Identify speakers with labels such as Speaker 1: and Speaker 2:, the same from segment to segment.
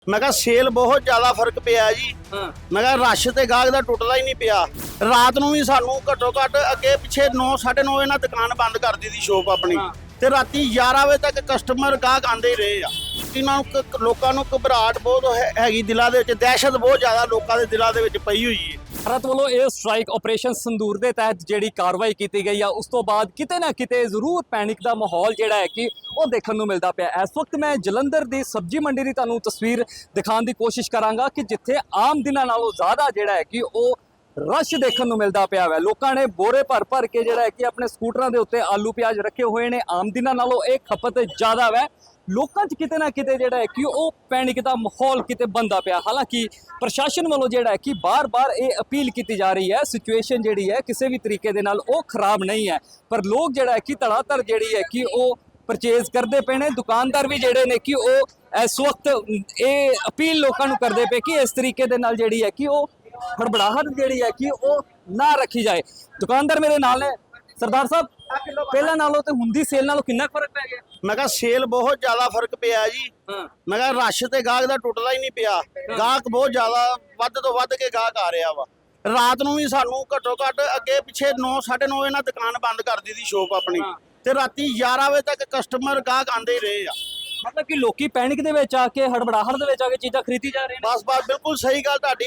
Speaker 1: मैं कहा सेल बहुत ज्यादा फर्क पिया जी। मैं कहा रश ते गाहक दा टुटदा ही नहीं पिया। रात ਨੂੰ ਵੀ ਸਾਨੂੰ ਘੱਟੋ ਘੱਟ ਅੱਗੇ ਪਿੱਛੇ 9 9:30 ਵਜੇ ਨਾਲ ਦੁਕਾਨ ਬੰਦ ਕਰ ਦਿੱਤੀ ਸ਼ੋਪ ਆਪਣੀ ਤੇ ਰਾਤੀ 11 ਵਜੇ ਤੱਕ ਕਸਟਮਰ ਗਾਹਕ ਆਂਦੇ ਹੀ ਰਹੇ ਆ। ਇਹਨਾਂ ਨੂੰ ਲੋਕਾਂ ਨੂੰ ਘਬਰਾਹਟ ਬਹੁਤ ਹੈਗੀ ਦਿਲਾਂ ਦੇ ਵਿੱਚ, ਦਹਿਸ਼ਤ ਬਹੁਤ ਜ਼ਿਆਦਾ ਲੋਕਾਂ ਦੇ ਦਿਲਾਂ ਦੇ ਵਿੱਚ ਪਈ ਹੋਈ ਹੈ।
Speaker 2: ਭਾਰਤ ਵੱਲੋਂ ਇਹ ਸਟ੍ਰਾਈਕ ਆਪਰੇਸ਼ਨ ਸੰਦੂਰ ਦੇ ਤਹਿਤ ਜਿਹੜੀ ਕਾਰਵਾਈ ਕੀਤੀ ਗਈ ਆ ਉਸ ਤੋਂ ਬਾਅਦ ਕਿਤੇ ਨਾ ਕਿਤੇ ਜ਼ਰੂਰ ਪੈਨਿਕ ਦਾ ਮਾਹੌਲ ਜਿਹੜਾ ਹੈ ਕਿ ਉਹ ਦੇਖਣ ਨੂੰ ਮਿਲਦਾ ਪਿਆ। ਇਸ ਵਕਤ ਮੈਂ ਜਲੰਧਰ ਦੀ ਸਬਜ਼ੀ ਮੰਡੀ ਦੀ ਤੁਹਾਨੂੰ ਤਸਵੀਰ ਦਿਖਾਉਣ ਦੀ ਕੋਸ਼ਿਸ਼ ਕਰਾਂਗਾ ਕਿ ਜਿੱਥੇ ਆਮ ਦਿਨਾਂ ਨਾਲੋਂ ਜ਼ਿਆਦਾ ਜਿਹੜਾ ਹੈ ਕਿ ਉਹ ਰਸ਼ ਦੇਖਣ ਨੂੰ ਮਿਲਦਾ ਪਿਆ ਹੈ। ਲੋਕਾਂ ਨੇ ਬੋਰੇ ਭਰ ਕੇ ਜਿਹੜਾ ਹੈ ਕਿ ਆਪਣੇ ਸਕੂਟਰਾਂ ਦੇ ਉੱਤੇ ਆਲੂ ਪਿਆਜ਼ ਰੱਖੇ ਹੋਏ ਨੇ। ਆਮ ਦਿਨਾਂ ਨਾਲੋਂ ਇਹ ਖਪਤ ਜ਼ਿਆਦਾ ਹੈ। ਲੋਕਾਂ 'ਚ ਕਿਤੇ ਨਾ ਕਿਤੇ ਜਿਹੜਾ ਹੈ ਕਿ ਉਹ ਪੈਨਿਕ ਦਾ ਮਾਹੌਲ ਕਿਤੇ ਬਣਦਾ ਪਿਆ। ਹਾਲਾਂਕਿ ਪ੍ਰਸ਼ਾਸਨ ਵੱਲੋਂ ਜਿਹੜਾ ਹੈ ਕਿ ਬਾਰ-ਬਾਰ ਇਹ ਅਪੀਲ ਕੀਤੀ ਜਾ ਰਹੀ ਹੈ, ਸਿਚੁਏਸ਼ਨ ਜਿਹੜੀ ਹੈ ਕਿਸੇ ਵੀ ਤਰੀਕੇ ਦੇ ਨਾਲ ਉਹ ਖਰਾਬ ਨਹੀਂ ਹੈ, ਪਰ ਲੋਕ ਜਿਹੜਾ ਹੈ ਕਿ ਧੜਾਧੜ ਜਿਹੜੀ ਹੈ ਕਿ ਉਹ ਪਰਚੇਜ਼ ਕਰਦੇ ਪਏ ਨੇ। ਦੁਕਾਨਦਾਰ ਵੀ ਜਿਹੜੇ ਨੇ ਕਿ ਉਹ ਇਸ ਵਕਤ ਇਹ ਅਪੀਲ ਲੋਕਾਂ ਨੂੰ ਕਰਦੇ ਪਏ ਕਿ ਇਸ ਤਰੀਕੇ ਦੇ ਨਾਲ ਜਿਹੜੀ ਹੈ ਕਿ ਉਹ ਹੜਬੜਾਹਟ ਜਿਹੜੀ ਹੈ ਕਿ ਉਹ ਨਾ ਰੱਖੀ ਜਾਏ। ਦੁਕਾਨਦਾਰ ਮੇਰੇ ਨਾਲ ਨੇ। ਸਰਦਾਰ ਸਾਹਿਬ, ਪਹਿਲਾਂ ਨਾਲੋਂ ਤੇ ਹੁੰਦੀ ਸੇਲ ਨਾਲੋਂ ਕਿੰਨਾ ਫਰਕ ਪੈ ਗਿਆ?
Speaker 1: ਮੈਂ ਕਿਹਾ ਸੇਲ ਬਹੁਤ ਜ਼ਿਆਦਾ ਫਰਕ ਪਿਆ ਜੀ। ਮੈਂ ਕਿਹਾ ਰਸ਼ ਤੇ ਗਾਹਕ ਦਾ ਟੁੱਟਦਾ ਹੀ ਨਹੀਂ ਪਿਆ। ਗਾਹਕ ਬਹੁਤ ਜ਼ਿਆਦਾ ਵੱਧ ਤੋਂ ਵੱਧ ਕੇ ਗਾਹਕ ਆ ਰਿਹਾ ਵਾ। ਰਾਤ ਨੂੰ ਵੀ ਸਾਨੂੰ ਘੱਟੋ ਘੱਟ ਅੱਗੇ ਪਿੱਛੇ 9 9:30 ਵਜੇ ਨਾਲ ਦੁਕਾਨ ਬੰਦ ਕਰ ਦਿੱਤੀ ਸ਼ੋਪ ਆਪਣੀ ਤੇ ਰਾਤੀ 11 ਵਜੇ ਤੱਕ ਕਸਟਮਰ ਗਾਹਕ ਆਂਦੇ ਹੀ ਰਹੇ ਆ।
Speaker 2: ਮਤਲਬ ਕਿ ਲੋਕੀ ਪੈਨਿਕ ਦੇ ਵਿੱਚ ਆ ਕੇ, ਹੜਬੜਾਹਟ ਦੇ ਵਿੱਚ ਆ ਕੇ ਚੀਜ਼ਾਂ ਖਰੀਦੀ ਜਾ ਰਹੇ ਨੇ।
Speaker 1: ਬਸ ਬਿਲਕੁਲ ਸਹੀ ਗੱਲ ਤੁਹਾਡੀ।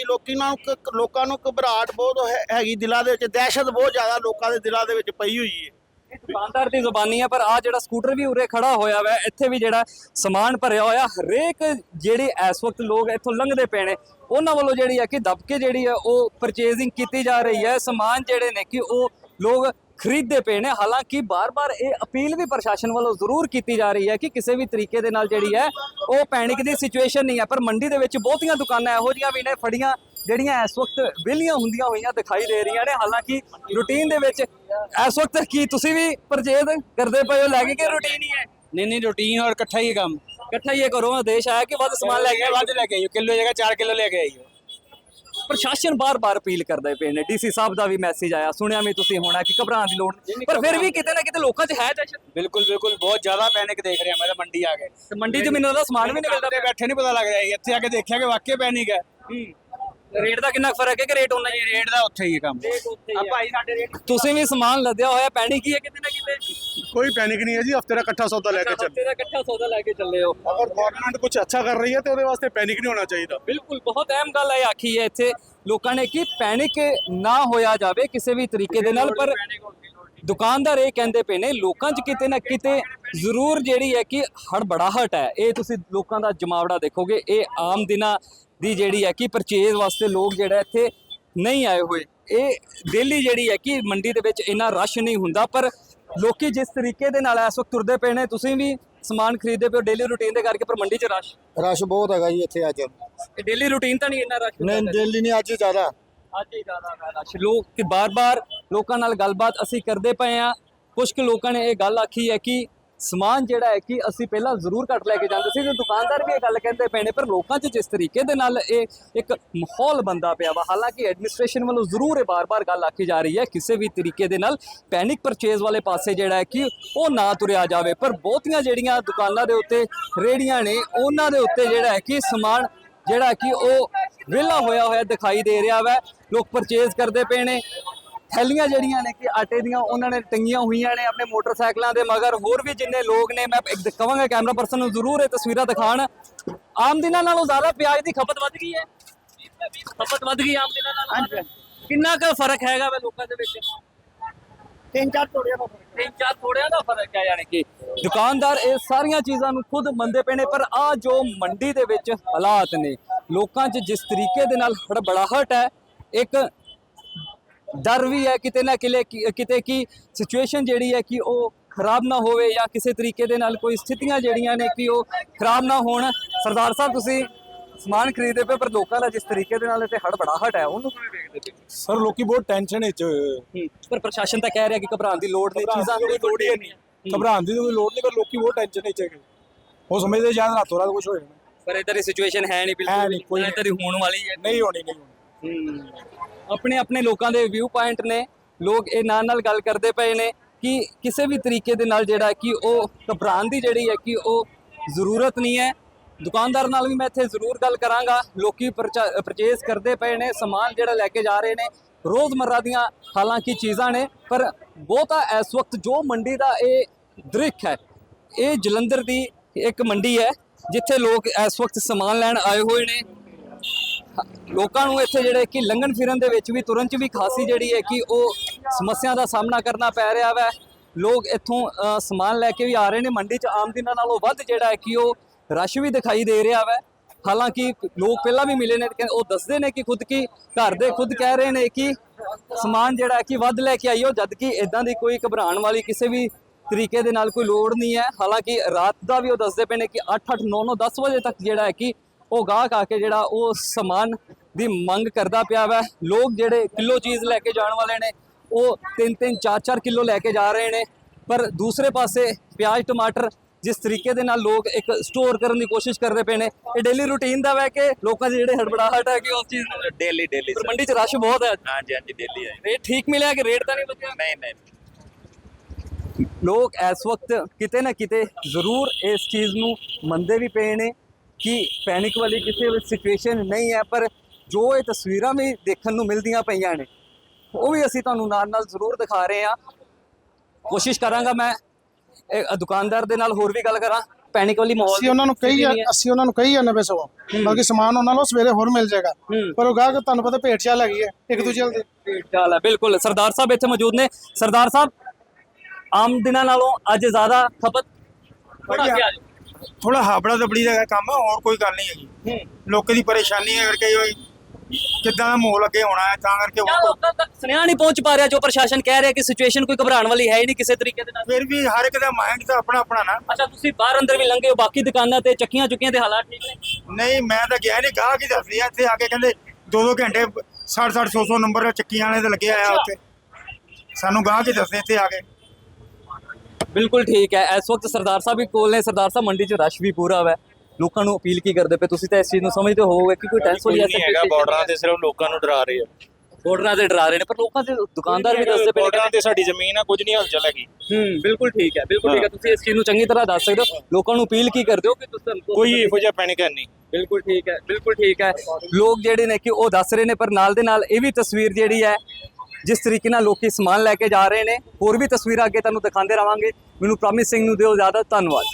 Speaker 1: ਲੋਕਾਂ ਨੂੰ ਘਬਰਾਹਟ ਬਹੁਤ ਹੈਗੀ ਦਿਲਾਂ ਦੇ ਵਿੱਚ, ਦਹਿਸ਼ਤ ਬਹੁਤ ਜ਼ਿਆਦਾ ਲੋਕਾਂ ਦੇ ਦਿਲਾਂ ਦੇ ਵਿੱਚ ਪਈ ਹੋਈ ਹੈ।
Speaker 2: ਦੁਕਾਨਦਾਰ ਦੀ ਜ਼ੁਬਾਨੀ ਹੈ, ਪਰ ਆ ਜਿਹੜਾ ਸਕੂਟਰ ਵੀ ਉਰੇ ਖੜਾ ਹੋਇਆ ਵਾ, ਇੱਥੇ ਵੀ ਜਿਹੜਾ ਸਮਾਨ ਭਰਿਆ ਹੋਇਆ, ਹਰੇਕ ਜਿਹੜੇ ਇਸ ਵਕਤ ਲੋਕ ਇੱਥੋਂ ਲੰਘਦੇ ਪਏ ਨੇ ਉਹਨਾਂ ਵੱਲੋਂ ਜਿਹੜੀ ਹੈ ਕਿ ਦਬਕੇ ਜਿਹੜੀ ਹੈ ਉਹ ਪਰਚੇਜ਼ਿੰਗ ਕੀਤੀ ਜਾ ਰਹੀ ਹੈ। ਸਮਾਨ ਜਿਹੜੇ ਨੇ ਕਿ ਉਹ ਲੋਕ ਖਰੀਦਦੇ ਪਏ ਨੇ। ਹਾਲਾਂਕਿ ਬਾਰ-ਬਾਰ ਇਹ ਅਪੀਲ ਵੀ ਪ੍ਰਸ਼ਾਸਨ ਵੱਲੋਂ ਜ਼ਰੂਰ ਕੀਤੀ ਜਾ ਰਹੀ ਹੈ ਕਿ ਕਿਸੇ ਵੀ ਤਰੀਕੇ ਦੇ ਨਾਲ ਜਿਹੜੀ ਹੈ ਉਹ ਪੈਨਿਕ ਦੀ ਸਿਚੁਏਸ਼ਨ ਨਹੀਂ ਹੈ। ਪਰ ਮੰਡੀ ਦੇ ਵਿੱਚ ਬਹੁਤੀਆਂ ਦੁਕਾਨਾਂ ਇਹੋ ਜਿਹੀਆਂ ਵੀ ਨੇ ਫੜੀਆਂ ਜਿਹੜੀਆਂ ਇਸ ਵਕਤ ਵਿਹਲੀਆਂ ਹੁੰਦੀਆਂ ਹੋਈਆਂ ਦਿਖਾਈ ਦੇ ਰਹੀਆਂ ਨੇ। ਹਾਲਾਂਕਿ ਰੂਟੀਨ ਦੇ ਵਿੱਚ ਇਸ ਵਕਤ ਕੀ ਤੁਸੀਂ ਵੀ ਪਰਚੇਜ਼ ਕਰਦੇ ਪਏ ਹੋ, ਲੈ ਕੇ ਰੂਟੀਨ ਹੀ ਹੈ?
Speaker 3: नहीं रूटीन और इकट्ठा ही काम
Speaker 2: ਇਕੱਠਾ ਹੀ ਇਹ ਕਰੋ। ਆਦੇਸ਼ ਆਇਆ ਕਿ ਵੱਧ ਸਮਾਨ ਲੈ ਕੇ
Speaker 3: ਵੱਧ ਲੈ ਕੇ ਆਈਓ, ਕਿਲੋ ਜਗ੍ਹਾ 4 ਕਿਲੋ ਲੈ ਕੇ ਆਈਓ।
Speaker 2: ਪ੍ਰਸ਼ਾਸਨ ਬਾਰ-ਬਾਰ ਅਪੀਲ ਕਰਦੇ ਪਏ ਨੇ। ਡੀਸੀ ਸਾਹਿਬ ਦਾ ਵੀ ਮੈਸੇਜ ਆਇਆ, ਸੁਣਿਆ ਵੀ ਤੁਸੀਂ ਹੋਣਾ ਕਿ ਘਬਰਾਉਣ ਦੀ ਲੋੜ ਨਹੀਂ, ਪਰ ਫਿਰ ਵੀ ਕਿਤੇ ਨਾ ਕਿਤੇ ਲੋਕਾਂ 'ਚ ਹੈ ਦਹਿਸ਼ਤ।
Speaker 3: ਬਿਲਕੁਲ ਬਹੁਤ ਜ਼ਿਆਦਾ ਪੈਨਿਕ ਦੇਖ ਰਿਹਾ ਮੈਂ ਤਾਂ ਮੰਡੀ ਆ ਕੇ।
Speaker 2: ਤੇ ਮੰਡੀ 'ਚ ਮੈਨੂੰ ਉਹਦਾ ਸਮਾਨ ਵੀ ਨਹੀਂ ਮਿਲਦਾ।
Speaker 3: ਬੈਠੇ ਨਹੀਂ ਪਤਾ ਲੱਗ ਰਿਹਾ, ਇੱਥੇ ਆ ਕੇ ਦੇਖਿਆ ਕਿ ਵਾਕਈ ਪੈਨਿਕ ਹੈ।
Speaker 2: ਰੇਟ ਦਾ ਕਿੰਨਾ ਫਰਕ ਹੈ ਕਿ ਰੇਟ ਉਹਨਾਂ ਹੀ?
Speaker 3: ਰੇਟ ਦਾ ਉੱਥੇ ਹੀ ਕੰਮ
Speaker 2: ਆ ਭਾਈ ਸਾਡੇ ਰੇਟ। ਤੁਸੀਂ ਵੀ ਸਮਾਨ ਲੱਦਿਆ ਹੋਇਆ, ਪੈਨਿਕ ਹੀ ਹੈ ਕਿਤੇ ਨਾ ਕਿਤੇ?
Speaker 4: कोई पैनिक नहीं है जी। हफ्ते का इकट्ठा सौदा लेके चल।
Speaker 2: ਤੇਰਾ ਇਕੱਠਾ ਸੌਦਾ ਲੈ ਕੇ ਚੱਲੇ ਹੋ।
Speaker 4: अगर गवर्नमेंट कुछ अच्छा कर रही है तो ਉਹਦੇ ਵਾਸਤੇ पैनिक नहीं होना चाहिए।
Speaker 2: ਬਿਲਕੁਲ ਬਹੁਤ ਅਹਿਮ ਗੱਲ ਹੈ ਆਖੀ ਹੈ ਇੱਥੇ ਲੋਕਾਂ ਨੇ ਕਿ ਪੈਨਿਕ ਨਾ ਹੋਇਆ ਜਾਵੇ ਕਿਸੇ ਵੀ ਤਰੀਕੇ ਦੇ ਨਾਲ। ਪਰ ਦੁਕਾਨਦਾਰ ਇਹ ਕਹਿੰਦੇ ਪਏ ਨੇ ਲੋਕਾਂ 'ਚ ਕਿਤੇ ਨਾ ਕਿਤੇ ਜ਼ਰੂਰ ਜਿਹੜੀ ਹੈ ਕਿ ਹੜਬੜਾਹਟ ਹੈ। ਇਹ ਤੁਸੀਂ ਲੋਕਾਂ ਦਾ ਜਮਾਵੜਾ ਦੇਖੋਗੇ। ਇਹ ਆਮ ਦਿਨਾਂ ਦੀ ਜਿਹੜੀ ਹੈ ਕਿ ਪਰਚੇਜ਼ ਵਾਸਤੇ ਲੋਕ ਜਿਹੜਾ ਇੱਥੇ ਨਹੀਂ ਆਏ ਹੋਏ। ਇਹ ਡੇਲੀ ਜਿਹੜੀ ਹੈ ਕਿ ਮੰਡੀ ਦੇ ਵਿੱਚ ਇੰਨਾ ਰਸ਼ ਨਹੀਂ ਹੁੰਦਾ, ਪਰ ਲੋਕੀ ਜਿਸ ਤਰੀਕੇ ਦੇ ਨਾਲ ਇਸ ਵਕਤ ਤੁਰਦੇ ਪਏ ਨੇ, ਤੁਸੀਂ ਵੀ ਸਮਾਨ ਖਰੀਦਦੇ ਪਏ ਹੋ ਡੇਲੀ ਰੂਟੀਨ ਦੇ ਕਰਕੇ, ਪਰ ਮੰਡੀ 'ਚ
Speaker 1: ਰਸ਼ ਬਹੁਤ ਹੈਗਾ ਜੀ ਇੱਥੇ ਅੱਜ।
Speaker 2: ਇਹ ਡੇਲੀ ਰੂਟੀਨ ਤਾਂ ਨਹੀਂ ਇੰਨਾ ਰਸ਼ ਹੁੰਦਾ?
Speaker 1: ਨਹੀਂ ਦਿੱਲੀ ਨਹੀਂ, ਅੱਜ ਜ਼ਿਆਦਾ।
Speaker 2: ਅੱਜ ਹੀ ਜ਼ਿਆਦਾ ਰਸ਼। ਲੋਕ ਕਿ ਬਾਰ-ਬਾਰ ਲੋਕਾਂ ਨਾਲ ਗੱਲਬਾਤ ਅਸੀਂ ਕਰਦੇ ਪਏ ਆ। ਕੁਝ ਕੁ ਲੋਕਾਂ ਨੇ ਇਹ ਗੱਲ ਆਖੀ ਹੈ ਕਿ ਸਮਾਨ ਜਿਹੜਾ ਹੈ ਕਿ ਅਸੀਂ ਪਹਿਲਾਂ ਜ਼ਰੂਰ ਘੱਟ ਲੈ ਕੇ ਜਾਂਦੇ ਸੀ, ਤੇ ਦੁਕਾਨਦਾਰ ਵੀ ਇਹ ਗੱਲ ਕਹਿੰਦੇ ਪਏ ਨੇ, ਪਰ ਲੋਕਾਂ 'ਚ ਜਿਸ ਤਰੀਕੇ ਦੇ ਨਾਲ ਇਹ ਇੱਕ ਮਾਹੌਲ ਬਣਦਾ ਪਿਆ ਵਾ। ਹਾਲਾਂਕਿ ਐਡਮਿਨਿਸਟ੍ਰੇਸ਼ਨ ਵੱਲੋਂ ਜ਼ਰੂਰ ਇਹ ਬਾਰ-ਬਾਰ ਗੱਲ ਆਖੀ ਜਾ ਰਹੀ ਹੈ ਕਿਸੇ ਵੀ ਤਰੀਕੇ ਦੇ ਨਾਲ ਪੈਨਿਕ ਪਰਚੇਜ਼ ਵਾਲੇ ਪਾਸੇ ਜਿਹੜਾ ਹੈ ਕਿ ਉਹ ਨਾ ਤੁਰਿਆ ਜਾਵੇ। ਪਰ ਬਹੁਤੀਆਂ ਜਿਹੜੀਆਂ ਦੁਕਾਨਾਂ ਦੇ ਉੱਤੇ ਰੇਹੜੀਆਂ ਨੇ ਉਹਨਾਂ ਦੇ ਉੱਤੇ ਜਿਹੜਾ ਹੈ ਕਿ ਸਮਾਨ ਜਿਹੜਾ ਕਿ ਉਹ ਵਿਹਲਾ ਹੋਇਆ ਦਿਖਾਈ ਦੇ ਰਿਹਾ ਵਾ। ਲੋਕ ਪਰਚੇਜ਼ ਕਰਦੇ ਪਏ ਨੇ। ਥੈਲੀਆਂ ਜਿਹੜੀਆਂ ਨੇ ਕਿ ਆਟੇ ਦੀਆਂ ਉਹਨਾਂ ਨੇ ਟੰਗੀਆਂ ਹੋਈਆਂ ਨੇ ਆਪਣੇ ਮੋਟਰਸਾਈਕਲਾਂ ਦੇ ਮਗਰ। ਹੋਰ ਵੀ ਜਿੰਨੇ ਲੋਕ ਨੇ, ਮੈਂ ਇੱਕ ਕਹਾਂਗਾ ਕੈਮਰਾ ਪਰਸਨ ਨੂੰ ਜ਼ਰੂਰ ਇਹ ਤਸਵੀਰਾਂ ਦਿਖਾਣ। ਆਮ ਦਿਨਾਂ ਨਾਲੋਂ ਜ਼ਿਆਦਾ ਪਿਆਜ਼ ਦੀ ਖਪਤ ਵੱਧ ਗਈ ਹੈ। ਖਪਤ ਵੱਧ ਗਈ ਆਮ ਦਿਨਾਂ ਨਾਲੋਂ। ਕਿੰਨਾ ਕੁ ਫਰਕ ਹੈਗਾ ਵਾ ਲੋਕਾਂ ਦੇ ਵਿੱਚ?
Speaker 1: 3-4 ਤੋੜਿਆਂ ਦਾ ਫਰਕ।
Speaker 2: 3-4 ਥੋੜਿਆਂ ਦਾ ਫਰਕ ਹੈ। ਯਾਨੀ ਕਿ ਦੁਕਾਨਦਾਰ ਇਹ ਸਾਰੀਆਂ ਚੀਜ਼ਾਂ ਨੂੰ ਖੁਦ ਮੰਨਦੇ ਪਏ ਨੇ। ਪਰ ਆ ਜੋ ਮੰਡੀ ਦੇ ਵਿੱਚ ਹਾਲਾਤ ਨੇ, ਲੋਕਾਂ 'ਚ ਜਿਸ ਤਰੀਕੇ ਦੇ ਨਾਲ ਹੜਬੜਾਹਟ ਹੈ, ਇੱਕ ਡਰ ਵੀ ਹੈ ਕਿਤੇ ਨਾ ਕਿਤੇ ਕਿ ਸਿਚੁਏਸ਼ਨ ਜਿਹੜੀ ਹੈ ਕਿ ਉਹ ਖਰਾਬ ਨਾ ਹੋਵੇ ਜਾਂ ਕਿਸੇ ਤਰੀਕੇ ਦੇ ਨਾਲ ਕੋਈ ਸਥਿਤੀਆਂ ਜਿਹੜੀਆਂ ਨੇ ਕਿ ਉਹ ਖਰਾਬ ਨਾ ਹੋਣ। ਸਰਦਾਰ ਸਾਹਿਬ, ਤੁਸੀਂ ਸਮਾਨ ਖਰੀਦਦੇ ਪਏ, ਪਰ ਲੋਕਾਂ ਦਾ ਜਿਸ ਤਰੀਕੇ ਦੇ ਨਾਲ ਇੱਥੇ ਹੜਬੜਾਹਟ ਹੈ ਉਹਨੂੰ ਕਿਵੇਂ ਵੇਖਦੇ ਪਏ?
Speaker 4: ਸਰ ਲੋਕੀ ਬਹੁਤ ਟੈਨਸ਼ਨ ਵਿੱਚ ਹੋਏ।
Speaker 2: ਪਰ ਪ੍ਰਸ਼ਾਸਨ ਤਾਂ ਕਹਿ ਰਿਹਾ ਕਿ ਘਬਰਾਉਣ ਦੀ ਲੋੜ ਨਹੀਂ, ਚੀਜ਼ਾਂ ਦੀ ਲੋੜ ਹੀ ਨਹੀਂ।
Speaker 4: ਘਬਰਾਉਣ ਦੀ ਕੋਈ ਲੋੜ ਨਹੀਂ, ਪਰ ਲੋਕੀ ਬਹੁਤ ਟੈਨਸ਼ਨ ਵਿੱਚ ਹੈਗੇ। ਉਹ ਸਮਝਦੇ ਸ਼ਾਇਦ ਰਾਤੋਂ ਰਾਤ ਕੁਝ ਹੋ ਜਾਣਾ,
Speaker 2: ਪਰ ਇਧਰ ਦੀ ਸਿਚੁਏਸ਼ਨ ਹੈ ਨਹੀਂ ਬਿਲਕੁਲ। ਕੋਈ ਇਧਰ ਦੀ ਹੋਣ ਵਾਲੀ ਹੈ
Speaker 4: ਨਹੀਂ ਹੋਣੀ।
Speaker 2: ਆਪਣੇ ਆਪਣੇ ਲੋਕਾਂ ਦੇ ਵਿਊ ਪੁਆਇੰਟ ਨੇ। ਲੋਕ ਇਹ ਨਾਲ ਗੱਲ ਕਰਦੇ ਪਏ ਨੇ ਕਿ ਕਿਸੇ ਵੀ ਤਰੀਕੇ ਦੇ ਨਾਲ ਜਿਹੜਾ ਕਿ ਉਹ ਘਬਰਾਉਣ ਦੀ ਜਿਹੜੀ ਹੈ ਕਿ ਉਹ ਜ਼ਰੂਰਤ ਨਹੀਂ ਹੈ। ਦੁਕਾਨਦਾਰ ਨਾਲ ਵੀ ਮੈਂ ਇੱਥੇ ਜ਼ਰੂਰ ਗੱਲ ਕਰਾਂਗਾ। ਲੋਕੀ ਪਰਚੇਸ ਕਰਦੇ ਪਏ ਨੇ, ਸਮਾਨ ਜਿਹੜਾ ਲੈ ਕੇ ਜਾ ਰਹੇ ਨੇ, ਰੋਜ਼ਮर्रा ਦੀਆਂ ਹਾਲਾਂਕਿ ਚੀਜ਼ਾਂ ਨੇ। ਪਰ ਬਹੁਤਾ ਇਸ ਵਕਤ ਜੋ ਮੰਡੀ ਦਾ ਇਹ ਦ੍ਰਿਸ਼ ਹੈ, ਇਹ ਜਲੰਧਰ ਦੀ ਇੱਕ ਮੰਡੀ ਹੈ ਜਿੱਥੇ ਲੋਕ ਇਸ ਵਕਤ ਸਮਾਨ ਲੈਣ ਆਏ ਹੋਏ ਨੇ। ਲੋਕਾਂ ਨੂੰ ਇੱਥੇ ਜਿਹੜੇ ਕਿ ਲੰਘਣ ਫਿਰਨ ਦੇ ਵਿੱਚ ਵੀ ਤੁਰਨ 'ਚ ਵੀ ਖਾਸੀ ਜਿਹੜੀ ਹੈ ਕਿ ਉਹ ਸਮੱਸਿਆ ਦਾ ਸਾਹਮਣਾ ਕਰਨਾ ਪੈ ਰਿਹਾ ਵੈ। ਲੋਕ ਇੱਥੋਂ ਸਮਾਨ ਲੈ ਕੇ ਵੀ ਆ ਰਹੇ ਨੇ। ਮੰਡੀ 'ਚ ਆਮ ਦਿਨਾਂ ਨਾਲੋਂ ਵੱਧ ਜਿਹੜਾ ਹੈ ਕਿ ਉਹ ਰਸ਼ ਵੀ ਦਿਖਾਈ ਦੇ ਰਿਹਾ ਵੈ। ਹਾਲਾਂਕਿ ਲੋਕ ਪਹਿਲਾਂ ਵੀ ਮਿਲੇ ਨੇ, ਉਹ ਦੱਸਦੇ ਨੇ ਕਿ ਖੁਦ ਕੀ ਘਰ ਦੇ ਖੁਦ ਕਹਿ ਰਹੇ ਨੇ ਕਿ ਸਮਾਨ ਜਿਹੜਾ ਹੈ ਕਿ ਵੱਧ ਲੈ ਕੇ ਆਈਓ, ਜਦ ਕਿ ਇਦਾਂ ਦੀ ਕੋਈ ਘਬਰਾਉਣ ਵਾਲੀ ਕਿਸੇ ਵੀ ਤਰੀਕੇ ਦੇ ਨਾਲ ਕੋਈ ਲੋੜ ਨਹੀਂ ਹੈ। ਹਾਲਾਂਕਿ ਰਾਤ ਦਾ ਵੀ ਉਹ ਦੱਸਦੇ ਪਏ ਨੇ ਕਿ 8-8 9-9 10 ਵਜੇ ਤੱਕ ਜਿਹੜਾ ਹੈ ਕਿ ਉਹ ਗਾਹਕ ਆ ਕੇ ਜਿਹੜਾ ਉਹ ਸਮਾਨ ਦੀ ਮੰਗ ਕਰਦਾ ਪਿਆ ਵਾ। ਲੋਕ ਜਿਹੜੇ ਕਿਲੋ ਚੀਜ਼ ਲੈ ਕੇ ਜਾਣ ਵਾਲੇ ਨੇ ਉਹ 3-3 4-4 ਕਿਲੋ ਲੈ ਕੇ ਜਾ ਰਹੇ ਨੇ। ਪਰ ਦੂਸਰੇ ਪਾਸੇ ਪਿਆਜ਼ ਟਮਾਟਰ ਜਿਸ ਤਰੀਕੇ ਦੇ ਨਾਲ ਲੋਕ ਇੱਕ ਸਟੋਰ ਕਰਨ ਦੀ ਕੋਸ਼ਿਸ਼ ਕਰਦੇ ਪਏ ਨੇ, ਇਹ ਡੇਲੀ ਰੂਟੀਨ ਦਾ ਵੈ ਕਿ ਲੋਕਾਂ ਦੀ ਜਿਹੜੇ ਹੜਬੜਾਹਟ ਹੈ ਕਿ ਉਸ ਚੀਜ਼ ਨੂੰ
Speaker 5: डेली
Speaker 2: ਪਰ ਮੰਡੀ 'ਚ ਰਸ਼ ਬਹੁਤ ਹੈ।
Speaker 5: हाँ जी डेली है
Speaker 2: ਰੇਟ ਠੀਕ ਮਿਲਿਆ ਕਿ ਰੇਟ ਤਾਂ ਨਹੀਂ ਵਧਿਆ?
Speaker 5: नहीं नहीं
Speaker 2: ਲੋਕ ਇਸ ਵਕਤ ਕਿਤੇ ਨਾ ਕਿਤੇ ਜ਼ਰੂਰ ਇਸ ਚੀਜ਼ ਨੂੰ ਮੰਨਦੇ ਵੀ ਪਏ ਨੇ ਕਿ ਪੈਨਿਕ ਵਾਲੀ ਕਿਸੇ ਵੀ ਸਿਚੁਏਸ਼ਨ ਨਹੀਂ ਹੈ। ਪਰ ਜੋ ਇਹ ਤਸਵੀਰਾਂ ਵੀ ਦੇਖਣ ਨੂੰ ਮਿਲਦੀਆਂ ਪਈਆਂ ਨੇ ਉਹ ਵੀ ਅਸੀਂ ਤੁਹਾਨੂੰ ਨਾਲ ਨਾਲ ਜ਼ਰੂਰ ਦਿਖਾ ਰਹੇ ਹਾਂ। ਕੋਸ਼ਿਸ਼ ਕਰਾਂਗਾ ਮੈਂ ਇਹ ਦੁਕਾਨਦਾਰ ਦੇ ਨਾਲ ਹੋਰ ਵੀ ਗੱਲ ਕਰਾਂ। ਪੈਨਿਕ ਵਾਲੀ ਮਾਹੌਲ
Speaker 6: ਅਸੀਂ ਉਹਨਾਂ ਨੂੰ ਕਹੀ ਆ 90-100 ਬਾਕੀ ਸਮਾਨ ਉਹਨਾਂ ਨੂੰ ਸਵੇਰੇ ਹੋਰ ਮਿਲ ਜਾਏਗਾ। ਪਰ ਉਹ ਗਾਹਕ ਤੁਹਾਨੂੰ ਪਤਾ ਭੇਟ ਚਾਲ ਹੈਗੀ ਹੈ ਇੱਕ ਦੂਜੇ ਦੇ।
Speaker 2: ਚਾਲ ਹੈ ਬਿਲਕੁਲ। ਸਰਦਾਰ ਸਾਹਿਬ ਇੱਥੇ ਮੌਜੂਦ ਨੇ। ਸਰਦਾਰ ਸਾਹਿਬ, ਆਮ ਦਿਨਾਂ ਨਾਲੋਂ ਅੱਜ ਜ਼ਿਆਦਾ ਖਪਤ
Speaker 4: ਥੋੜਾ ਹਾਬੜਾ ਦਬੜੀ ਦਾ ਕੰਮ ਹੈ, ਹੋਰ ਕੋਈ ਗੱਲ ਨਹੀਂ ਹੈਗੀ। ਲੋਕਾਂ ਦੀ ਪਰੇਸ਼ਾਨੀ ਹੈ ਕਰਕੇ ਕਿੱਦਾਂ ਦਾ ਮਾਹੌਲ ਅੱਗੇ ਹੋਣਾ ਹੈ, ਤਾਂ ਕਰਕੇ
Speaker 2: ਕਿਆ ਲੋਕਾਂ ਤੱਕ ਸੁਨੇਹਾ ਨਹੀਂ ਪਹੁੰਚ ਪਾ ਰਿਹਾ ਜੋ ਪ੍ਰਸ਼ਾਸਨ ਕਹਿ ਰਿਹਾ ਕਿ ਸਿਚੁਏਸ਼ਨ ਕੋਈ ਘਬਰਾਉਣ ਵਾਲੀ ਹੈ ਹੀ ਨਹੀਂ ਕਿਸੇ ਤਰੀਕੇ ਦੇ ਨਾਲ?
Speaker 4: ਫਿਰ ਵੀ ਹਰ ਇੱਕ ਦਾ ਮਾਈਂਡ ਤਾਂ ਆਪਣਾ ਆਪਣਾ ਨਾ।
Speaker 2: ਅੱਛਾ, ਤੁਸੀਂ ਬਾਹਰ ਅੰਦਰ ਵੀ ਲੰਘੇ ਹੋ, ਬਾਕੀ ਦੁਕਾਨਾਂ ਤੇ ਚੱਕੀਆਂ ਚੁੱਕੀਆਂ ਦੇ ਹਾਲਾਤ ਠੀਕ ਨੇ?
Speaker 4: ਨਹੀਂ ਮੈਂ ਤਾਂ ਗਿਆ ਨਹੀਂ, ਗਾਹਕ ਹੀ ਦੱਸਦੇ ਆ ਇੱਥੇ ਆ ਕੇ ਕਹਿੰਦੇ 2-2 ਘੰਟੇ 60-60 100 ਨੰਬਰ ਚੱਕੀਆਂ ਵਾਲੇ ਦੇ ਲੱਗੇ ਆਇਆ ਉੱਥੇ। ਸਾਨੂੰ ਗਾਹਕ ਹੀ ਦੱਸਦੇ ਇੱਥੇ ਆ ਕੇ।
Speaker 2: ਬਿਲਕੁਲ ਠੀਕ ਹੈ। ਇਸ ਵਕਤ ਸਰਦਾਰ ਸਾਹਿਬ ਵੀ ਕੋਲ ਨੇ। ਸਰਦਾਰ ਸਾਹਿਬ, ਮੰਡੀ 'ਚ ਰਸ਼ ਵੀ ਪੂਰਾ ਹੈ। ਲੋਕਾਂ ਨੂੰ ਅਪੀਲ ਕੀ ਕਰਦੇ ਪਏ? ਤੁਸੀਂ ਤਾਂ ਇਸ ਚੀਜ਼ ਨੂੰ ਸਮਝਦੇ ਹੋਵੋਗੇ ਕਿ ਕੋਈ ਟੈਂਸ਼ਨ
Speaker 5: नहीं हैगा बॉर्डਰਾਂ ਤੇ ਸਿਰਫ ਲੋਕਾਂ ਨੂੰ ਡਰਾ ਰਹੇ ਆ।
Speaker 2: ਬਾਰਡਰਾਂ ਤੇ ਡਰਾ ਰਹੇ ਨੇ, ਪਰ ਲੋਕਾਂ ਦੇ ਦੁਕਾਨਦਾਰ ਵੀ ਦੱਸਦੇ ਪਏ ਨੇ
Speaker 5: ਬॉर्डਰਾਂ ਤੇ ਸਾਡੀ ਜ਼ਮੀਨ ਆ, ਕੁਝ ਨਹੀਂ ਹਲਚਲ ਹੈਗੀ।
Speaker 2: ਬਿਲਕੁਲ ਠੀਕ ਹੈ, ਬਿਲਕੁਲ ਠੀਕ ਹੈ। ਤੁਸੀਂ ਇਸ ਚੀਜ਼ ਨੂੰ ਚੰਗੀ ਤਰ੍ਹਾਂ ਦੱਸ ਸਕਦੇ ਹੋ। ਲੋਕਾਂ ਨੂੰ ਅਪੀਲ ਕੀ ਕਰਦੇ ਹੋ ਕਿ ਤੁਸੀਂ
Speaker 5: ਕੋਈ ਇਹੋ ਜਿਹਾ ਪੈਨਿਕ ਨਹੀਂ।
Speaker 2: ਬਿਲਕੁਲ ਠੀਕ ਹੈ, ਬਿਲਕੁਲ ਠੀਕ ਹੈ। ਲੋਕ ਜਿਹੜੇ ਨੇ ਕਿ ਉਹ ਦੱਸ ਰਹੇ ਨੇ, ਪਰ ਨਾਲ ਦੇ ਨਾਲ ਇਹ ਵੀ ਤਸਵੀਰ ਜਿਹੜੀ ਹੈ ਜਿਸ ਤਰੀਕੇ ਨਾਲ ਲੋਕੀ ਸਮਾਨ ਲੈ ਕੇ ਜਾ ਰਹੇ ਨੇ, ਹੋਰ ਵੀ ਤਸਵੀਰਾਂ ਅੱਗੇ ਤੁਹਾਨੂੰ ਦਿਖਾਉਂਦੇ ਰਵਾਂਗੇ। ਮੈਨੂੰ ਪ੍ਰੋਮਿਸ ਸਿੰਘ ਨੂੰ ਦਿਓ ਇਜਾਜ਼ਤ। ਧੰਨਵਾਦ।